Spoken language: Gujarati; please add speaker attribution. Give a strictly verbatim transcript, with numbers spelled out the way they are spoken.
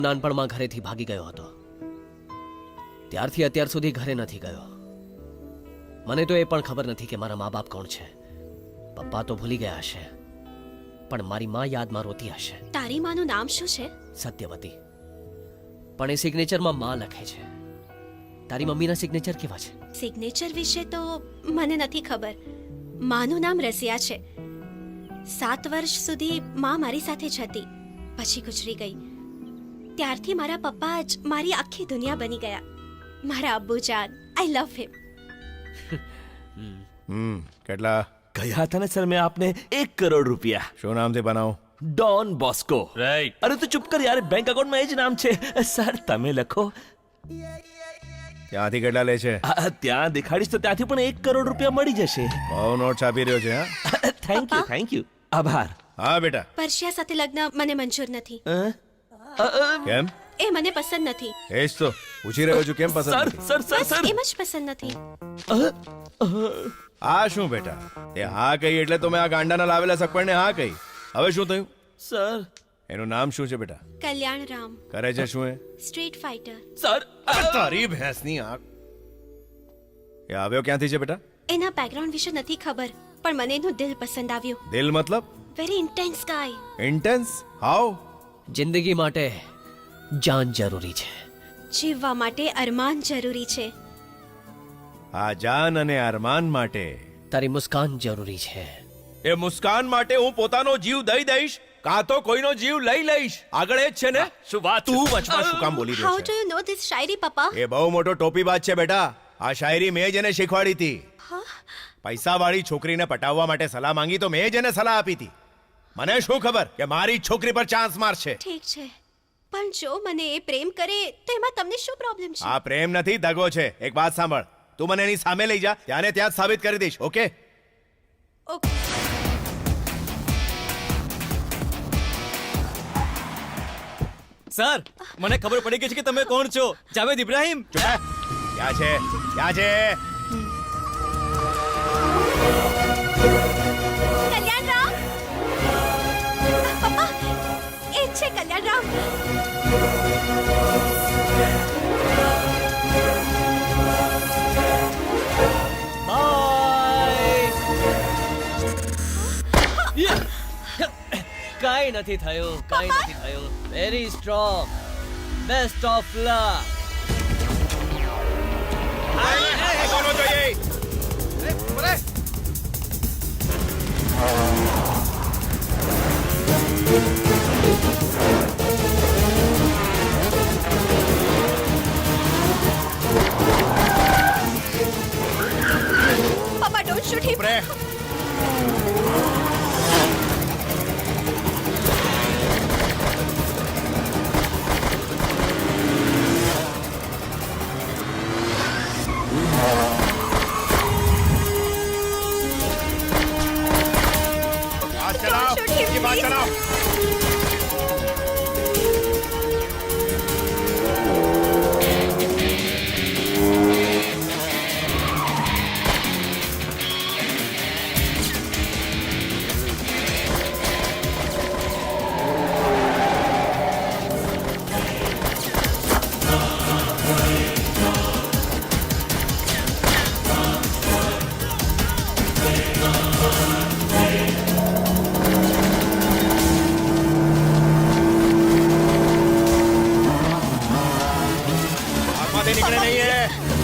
Speaker 1: નાનપણમાં ઘરેથી ભાગી ગયો હતો. ત્યારથી અત્યાર સુધી ઘરે નથી ગયો. મને તો એ પણ ખબર નથી કે મારા મા બાપ કોણ છે. પપ્પા તો ભૂલી ગયા હશે, પણ મારી મા યાદમાં રોતી હશે.
Speaker 2: તારી માનું નામ શું છે?
Speaker 1: સત્યવતી. પણ એ સિગ્નેચરમાં મા લખે છે. તારી મમ્મીના સિગ્નેચર કેવા છે?
Speaker 2: સિગ્નેચર વિશે તો મને નથી ખબર. માનું નામ રસિયા છે. સાત વર્ષ સુધી મા મારી સાથે જ હતી, પછી ગુજરી ગઈ. ત્યારથી મારા પપ્પા જ મારી આખી દુનિયા બની ગયા. મારા અબ્બુજાન, આઈ લવ હિમ.
Speaker 3: હમ કેટલા
Speaker 4: ગયા હતા ને સર મેં આપને એક કરોડ રૂપિયા.
Speaker 3: શું નામથી બનાવું?
Speaker 4: Don Bosco.
Speaker 5: રાઈટ.
Speaker 4: અરે તું ચૂપ કર યાર, બેંક એકાઉન્ટમાં એ જ નામ છે. સર તમે લખો.
Speaker 3: ત્યાંથી કેટલા લે છે?
Speaker 4: આ, ત્યાં દેખાડીશ તો ત્યાંથી પણ એક કરોડ રૂપિયા મળી જશે.
Speaker 3: બહુ નોટ છાપી રહ્યો છે. હા
Speaker 4: થેન્ક યુ થેન્ક યુ આભાર.
Speaker 3: હા બેટા.
Speaker 2: પરશિયા સાથે લગ્ન મને મંજૂર નથી.
Speaker 4: અ? અ, અ,
Speaker 3: કેમ?
Speaker 2: એ મને પસંદ નથી.
Speaker 3: એ જ તો પૂછી રહ્યો છું, કેમ પસંદ
Speaker 4: સર
Speaker 3: નથી?
Speaker 4: સર સર
Speaker 2: બસ
Speaker 4: સર
Speaker 2: એમ જ પસંદ નથી.
Speaker 3: આ શું બેટા, એ હા કહી એટલે તો મેં આ ગાંડાના લાવેલા સગપણને હા કહી. હવે શું થયું?
Speaker 4: સર
Speaker 3: એનું નામ શું છે બેટા?
Speaker 2: કલ્યાણ રામ,
Speaker 3: કરે છે શું એ?
Speaker 2: Street fighter.
Speaker 4: સર
Speaker 3: તારી ભેંસની આંખ. એ આવ્યો ક્યાંથી છે બેટા?
Speaker 2: એના બેકગ્રાઉન્ડ વિશે નથી ખબર, પણ મને એનું દિલ પસંદ આવ્યું.
Speaker 3: દિલ મતલબ?
Speaker 2: Very intense guy.
Speaker 3: Intense? How?
Speaker 1: જિંદગી માટે જાન જરૂરી છે.
Speaker 2: જીવવા માટે અરમાન જરૂરી છે.
Speaker 3: આ જાન અને અરમાન માટે,
Speaker 1: તારી મુસ્કાન જરૂરી છે.
Speaker 3: એ મુસ્કાન માટે હું પોતાનો જીવ દઈ દઈશ, કાં તો કોઈનો જીવ લઈ લઈશ. આગળ એ જ છે ને?
Speaker 5: શું વાત?
Speaker 3: તું વચમાં શું કામ બોલી રહ્યો
Speaker 2: હાઉ
Speaker 3: છે?
Speaker 2: ડુ યુ નો ધીસ શાયરી પપ્પા?
Speaker 3: એ બહુ મોટો ટોપીબાજ છે બેટા. આ શાયરી મેં જ એને શીખવાડી હતી. પૈસાવાળી છોકરીને પટાવવા માટે સલાહ માંગી તો મેં જ એને સલાહ આપી હતી. મને શું ખબર કે મારી જ છોકરી પર ચાન્સ મારશે.
Speaker 2: ઠીક છે, પણ જો મને એ પ્રેમ કરે તો એમાં તમને શું પ્રોબ્લેમ છે?
Speaker 3: આ પ્રેમ નથી, દગો છે. એક વાત સાંભળ, તું મને એની સામે લઈ જા, ત્યાંને ત્યાં જ સાબિત કરી દઈશ. ઓકે?
Speaker 2: ઓકે.
Speaker 5: સર, મને ખબર પડી ગઈ છે કે તમે કોણ છો. જાવેદ ઇબ્રાહિમ.
Speaker 3: ચૂપ રહે. ક્યાં છે? ક્યાં છે?
Speaker 2: કલ્યાણ રામ. પપ્પા, એ જ છે કલ્યાણ રામ.
Speaker 1: કાંઈ નથી થયું, કાંઈ નથી થયું. Very strong. Best of luck.
Speaker 3: કોનો જોઈએ?
Speaker 2: પપ્પા, ડોન્ટ શૂટ હિમ.
Speaker 3: રે. हाथ चलाओ,
Speaker 2: Don't shoot him,
Speaker 3: ये बात
Speaker 2: please.
Speaker 3: चलाओ. आंखों से निकले नहीं है.